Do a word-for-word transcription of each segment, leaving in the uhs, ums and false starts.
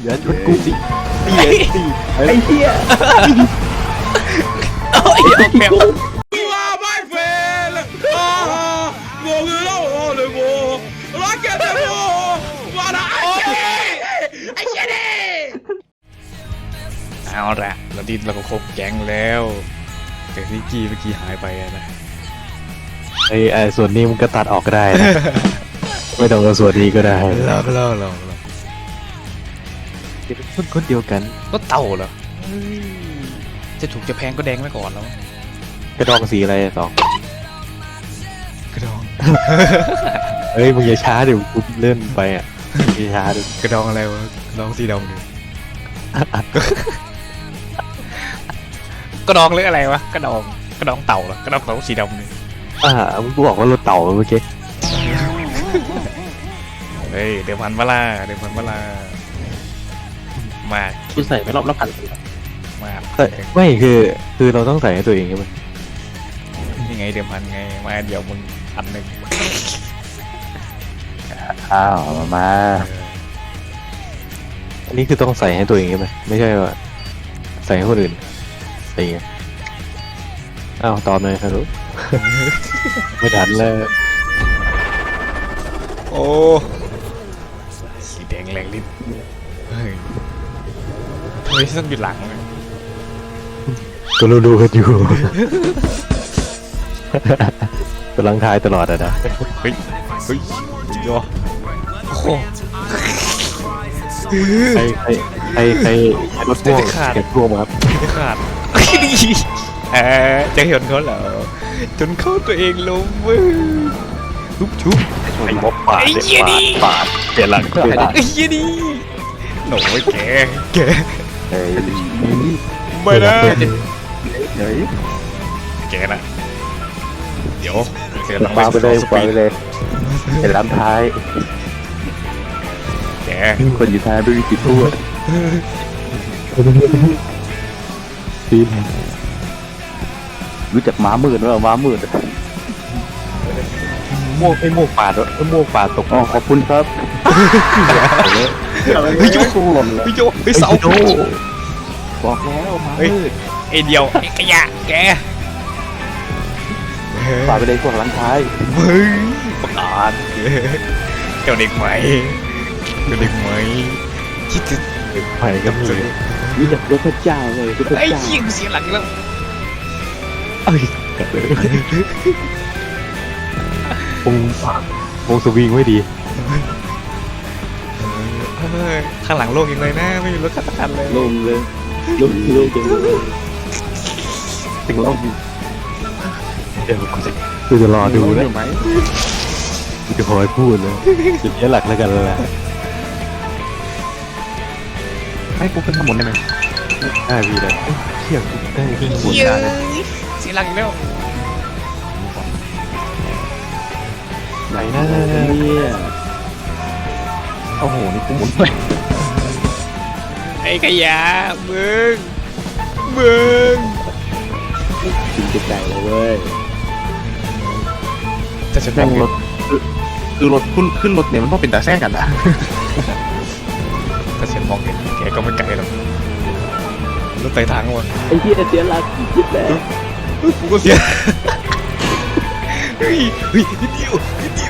อย่าชนกูสิตีตีไอ้เหี้ยโอ้ยออกแมวเอาละเราดินเราก็ครบแก๊งแล้วแต่ที่กี้เมื่อกี้หายไปนะไอ้ไอ้ส่วนนี้มันก็ตัดออกก็ได้นะไม่ต้องเอาส่วนนี้ก็ได้ลองลองลองลองคนคนเดียวกันก็เต่าเหรอจะถูกจะแพงก็แดงไว้ก่อนแล้วกระดองสีอะไรสองกระดองเฮ้ยมึงอย่าช้าเดี๋ยวกูเลื่อนไปอ่ะอย่าช้าดิกระดองอะไรวะกระดองสีดำดิกระดองหรืออะไรวะกระดองกระดองเต่าเหรอกระดองเต่าสีดำนี่อ่ามึงบอกว่ารถเต่าเมื่อกี้เฮ้ยเดี๋ยวพันเวลาเดี๋ยวพันเวลามาคุณใส่ไปรอบละพันมาไม่คือคือเราต้องใส่ให้ตัวเองใช่ไหมยังไงเดี๋ยวพันไงมาเดี๋ยวมึงพันหนึ่งอ้าวมามาอันนี้คือต้องใส่ให้ตัวเองใช่ไหมไม่ใช่ว่าใส่ให้คนอื่นอะไรเงี้ยอ้าวตอนเลยครับลูกไม่ทันเลยโอ้สีแดงแรงลิ้นเฮ้ยทำไมต้องอยู่หลังเลยก็รู้ดูกันอยู่กำลังทายตลอดอะนะเฮ้ยเฮ้ยยอโอ้โหใครใครใครใครรถพ่วงเก็บพ่วงครับไม่ขาดดีเออจะเห็นเขาเหรอจนเข้าตัวเองลงมือชุบชุบไอ้บอปาดเด็ดปาดเปลี่ยนหลังเปลี่ยนหลังไอ้ยี่นี่หนูไม่แกแกเฮ้ยไม่ได้เฮ้ยแกนะเดี๋ยวเดี๋ยวมาไปเลยไปเลยเห็นลำท้ายแกคนอยู่ท้ายไม่มีติดตัวทีมรู้จักม้ามืดหรือเปล่าม้ามืดโม่ไอ้โม่ปาดไอ้โม่ปาดตกอ๋อขอบคุณครับเฮ้ยโยเฮ้ยโยเฮ้ยเสาบอกแล้วม้ามืดไอเดียวไอ้ขยะแกปาดไปเลยพวกหลังท้ายเฮ้ยประกาศเจ้าเด็กใหม่เจ้าเด็กใหม่คิดจะเด็กใหม่ก็มีรู้จักพระเจ้าเลยพระเจ้าไอ้ยิงเสียหลังแล้วเอ้ยวงวงสวิงไม่ดีข้างหลังโล่งยังเลยนะไม่มีรถขับคันเลยโล่งเลยโล่งโล่งจังเลยถึงโล่งเดี๋ยวกูจะกูจะรอดูนะกูจะคอยพูดเลยจุดนี้หลักแล้วกันแหละให้กูขึ้นข้างบนได้ไหมได้พี่ได้เที่ยงได้ขึ้นข้างบนได้เสียหลังอีกแล้วไหนนะเนี่ยโอ้โหนี่กูหมุนไปไอ้ขยะมึงมึงจริงใจเลยเว้ยจะฉันนั่งรถคือรถขึ้นขึ้นรถเนี่ยมันต้องเป็นตาแซงกันนะถ้าฉันมองเห็นแกก็ไม่ไกลหรอกรถไต่ทางวะไอ้ที่เสียหลักคิดแล้วกูก็เสียเฮ้ยเฮ้ยนิดเดียวนิดเดียว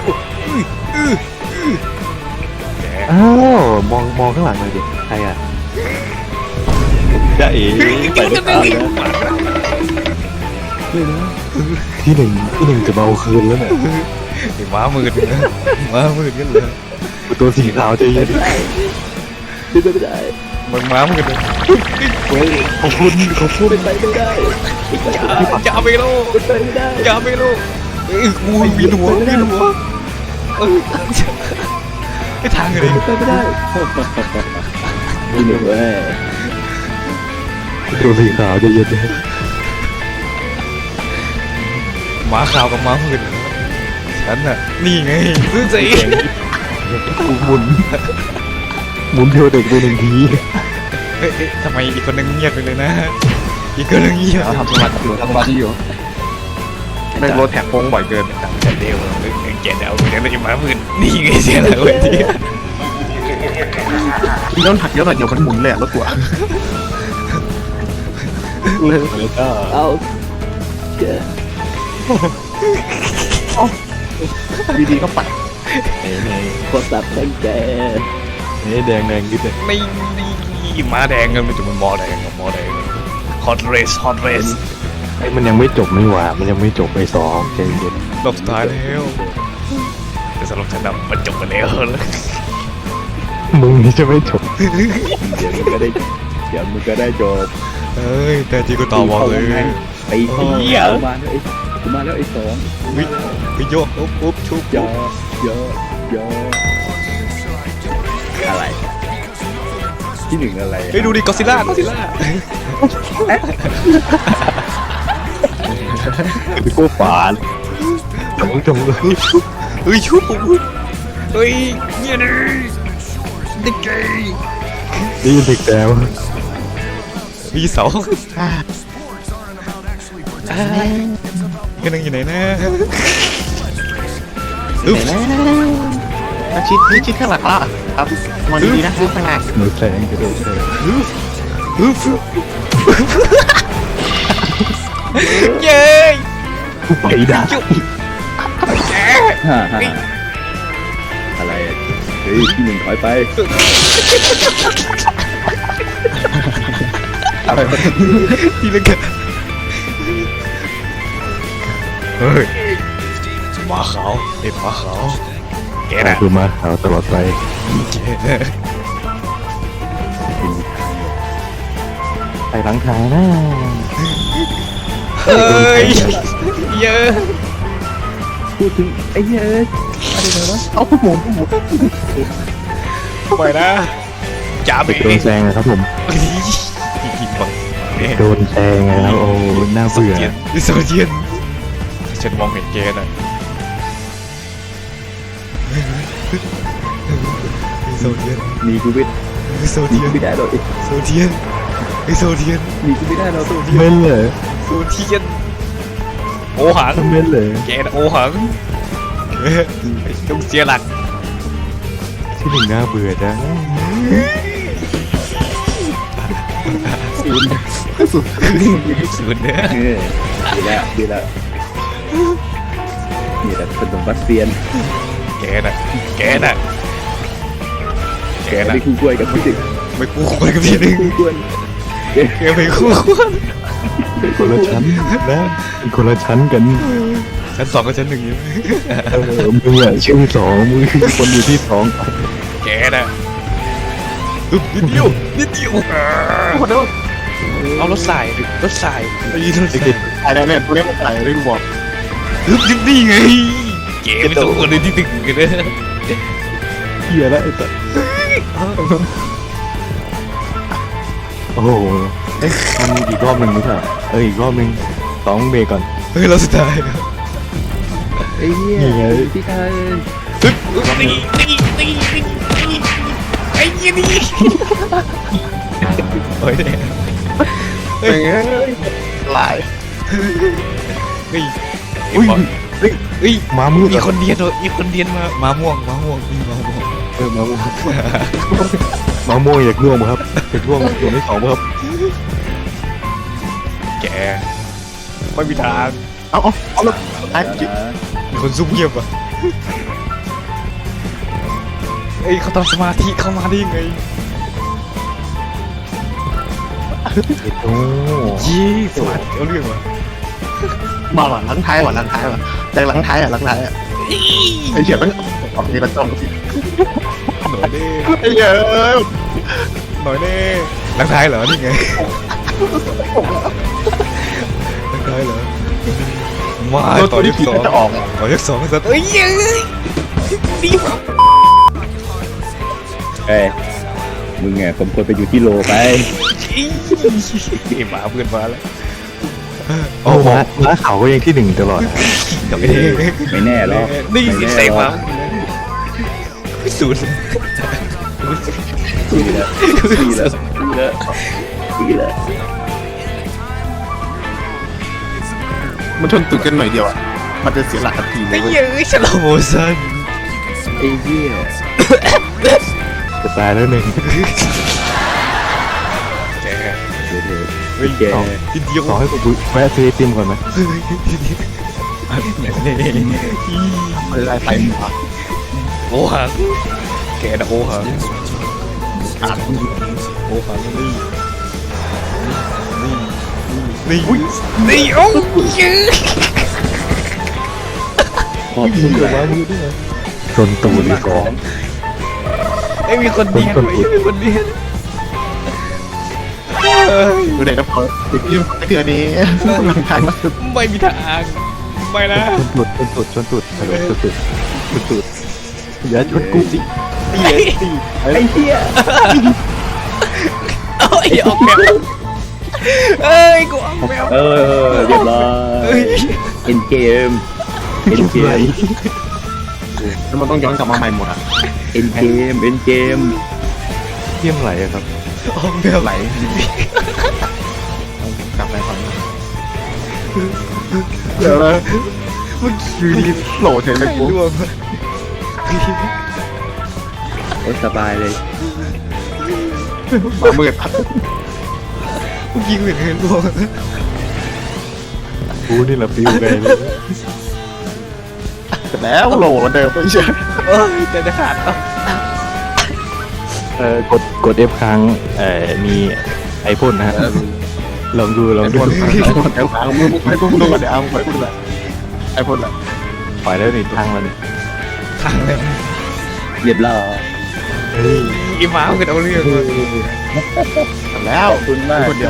อ้าวมองมองข้างหลังเลยดิใครอ่ะจะเอ๋ไปด้วยกันนะที่หนึ่งที่หนึ่งจะเบาคืนแล้วเนี่ยไอ้ม้ามืดนะม้ามืดกันเลยตัวสีขาวจะยืนขึ้นไปไม่ได้มึงม้ามืดเลยขอบคุณขอบคุณเป็นไปไม่ได้จะเอาไปโลเป็นไปไม่ได้จะเอาไปโลเอ้ยกูมีหัวมีหัวเออไอ้ทางเลยไปไม่ได้ไม่เหนื่อยตัวสีขาวจะยืนเลยม้าขาวกับม้ามืดฉันน่ะนี่ไงซื้อใจกูหมุนหมุนเที่ยวเด็กไปหนึ่งทีเอ๊ะทำไมอีกคนนึงเงียบไปเลยนะอีกคนนึงเงียบทำสมาธิอยู่ทำสมาธิอยู่ไม่รถแท็กโค้งบ่อยเกินแต่เดียวแกเดาเดี๋ยวเราจะมาพื้นนี่ไงเสียแล้วเว้ยทีพี่ต้องหักเยอะหน่อยเดี๋ยวมันหมุนเลยอะรถกูอะแล้วก็เอาเจอดีๆก็ปัดไหนไหนโคตรสับตั้งแต่ไหนแดงแดงนิดเลยไม่นี่ม้าแดงกันไม่ถึงมันมอแดงกับมอแดงฮอตเรสฮอตเรสไอ้มันยังไม่จบไม่หว่ามันยังไม่จบไปสองใจเย็นรอบสุดท้ายแล้วแต่สำหรับฉันนะมันจบไปแล้วมึงนี่จะไม่จบเดี๋ยวมึงก็ได้เดี๋ยวมึงก็ได้จบเฮ้ยแต่จริงก็ต่อบอลเลยไอ้สองเอามาแล้วไอ้กูมาแล้วไอ้สองวิวิโยกอุ๊บอุ๊บชุบยอดยอดยอดอะไรที่หนึ่งอะไรเฮ้ยดูดิกอซิล่ากอซิล่าพี่กูฝานจงจงเลยเฮ้ยชุบเฮ้ยเนี่ยดิดิเกย์ได้ยินเด็กแล้วมีเสาก็นั่งอยู่ไหนนะอึ๊บชิดชิดข้างหลังละครับมองดีๆนะข้างหลังหนูแสงกระโดดแสงอึ๊บเย้ยกูไปด่าฮ่าฮ่าอะไรอะเฮ้ยที่หนึ่งถอยไปอะไรทีละกันเฮ้ยหมาขาวเอ็ดหมาขาวแกน่ะคือมาขาวตลอดไปแกไปหลังทางนะเฮ้ยเยอะพูดถึงไอ้เหี้ยเอ้ยอะไรเลยวะเอาผู้หมุนผู้หมุนไปนะจ่าไปเบ๋โดนแซงนะครับผมยิงบังเนี่ยโดนแซงนะครับโอ้น่าโซเบื่อเจียนโซเจียนฉันมองเห็นแกน่ะโซเจียนหนีกูไม่โซหนีเจียกูนไม่ได้หรอกโซเจียนไอโซเจียนหนีกูไม่ได้หรอกเม่นเลยโซเจียนโอหังเม่นเลยแกน่ะโอหังต้องเสียหลักที่หนึ่งน่าเบื่อจังสุดเนี่ยเออดีแล้วดีแล้วนี่แหละขนมบัสเซียนแกน่ะแกน่ะแกแกน่ะไม่คู่กล้วยกับพี่ดึกไม่คู่ควรกับพี่นึงคู่กล้วยแกไม่คู่ควรคนละชั้นนะเป็นคนละชั้นกันชั้นสองกับชั้นหนึ่งอยู่เออมึงอะชื่อสองมึงคือคนอยู่ที่สองแกน่ะอึ๊บนิดเดียวนิดเดียวเอารถสายรถสายไอ้รถสายอะไรเนี่ยกูเล่นอะไรเรื่องบอกอึ๊บยังนี่ไงแกไม่ต้องคนเลยที่ตึกกันนะเฮียแล้วไอ้สัสโอ้โหเอ๊ะมันมีอีกรอบหนึ่งไม่ใช่เหรอเอออีกรอบหนึ่งสองเบรกก่อนเฮ้ยเราสุดท้ายไอ้เหี้ยนี่ไงพี่ชายอึ๊บอึ๊บนี่นี่นี่นี่ไอ้ยี่นี่โอ้ยเฮ้ยหลายเฮ้ยอุ้ยเฮ้ยเฮ้ยมามืดมีอะคนเดียนมีคนเดียนมามาม่วงมาม่วงมีมาม่วงเออมาม่วงมาม่วงอยากร่วงมั้งครับจะร่วงร่วงที่สองมั้งครับแกไม่มีทางเอาเอาเอาแล้วไอ้จิมีคนซุ่มเงียบอ่ะเอ้ยเขาทำสมาธิเข้ามาได้ยังไงโอ้ยี่สมาธิเอาเรื่องว่ะมาหลังท้ายว่ะหลังท้ายว่ะแต่หลังท้ายอ่ะหลังท้ายอ่ะไอ้เหี้ยมันออกทีละจ้องหน่อยเด้ไอ้เหี้ยหน่อยเด้หลังท้ายเหรอนี่ไงหลังท้ายเหรอมาต่อยกสองจะออกต่อยกสองสัตว์เอ้ยเอ้ยดีว่ะเอ้ยมึงไงผมควรไปอยู่ที่โลไปไอ้หมาเพื่อนมาแล้วโอ้ม้าม้าเขาก็ยังที่หนึ่งตลอดกลับไปเองไม่แน่หรอกนี่ไม่สิแน่เสกหรมาอกศูนย์ดีแล้วดีแล้วดีแล้วดีแล้วมันชนตึกกันหน่อยเดียวอ่ะมันจะเสียหลักทันทีเลไอ้ยเว้ยเหี้ยฉลามโมซันไอ้เหี้ยจะตายแล้วหนึ่งแกเดี๋ยวเดี๋ยวเฮ้ยแกทีเดียวขอให้กูแวะซื้อไอติมก่อนไหมอะไรไปหมดโอ้หังแกนะโอ้หังอ่านโอ้หังนี่นี่นี่นี่โอ้ยืดขอบคุณเดี๋ยวครัว่าบมือด้วยชนตูดอีกสองไอ้มีคนเดียนไว้มีคนเดียนเฮ้ยดูเด็กนะพอติดที่ไอ้เถื่อนี้หลังท้ายมาสุดไม่มีทางไม่นะชนตูดชนตูดชนตูดฮัลโหลชนตูดชนตูดอย่าชนกูสิตีตีไอ้เหี้ยเอ้ยออกแมวเอ้ยกูออกแมวเออเรียบร้อเอ้ยยเอ็นเกมเอ็นเกมแล้วมันต้องย้อนกลับมาใหม่หมดอ่ะเอ็นเกมเอ็นเกมเที่ยมไหลอะครับออกแมวไหลกลับไปก่อนเดี๋ยวนะเมื่อกี้ดีโหลเฉยเลยไม่กูร่วงโอ้สบายเลยมามืดพัดเมื่อกี้กูเห็นเห็นร่วงกูนี่แหละฟิวเลยเสร็จแล้วโหลเหมือนเดิมไม่ใช่เอ้ยจะจะขาดเอ้าเออกดกด F ค้างเอ่อมีไอพ่นนะฮะลองดูลองไอ้ดูพ่นไอ้พ่นไอ้พ่นมึงไอ้พ่นมึงดูก่อนเดี๋ยวเอาไปพูดเลยไอ้พ่นแหละปล่อยแล้วนี่ทางแล้วนี่ทางเลยเรียบร้อยเฮ้ยอีหมามันเอาเรื่องเลยเสร็จแล้วขอบคุณมากคนเดียว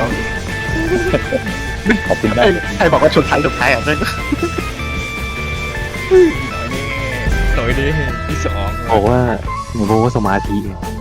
ขอบคุณมาไอ้กไอ้บอกว่าชนท้ายชนท้ายอ่ะใช่หน่อยดิที่สองบอกว่าหนูบอกว่าสมาธิไง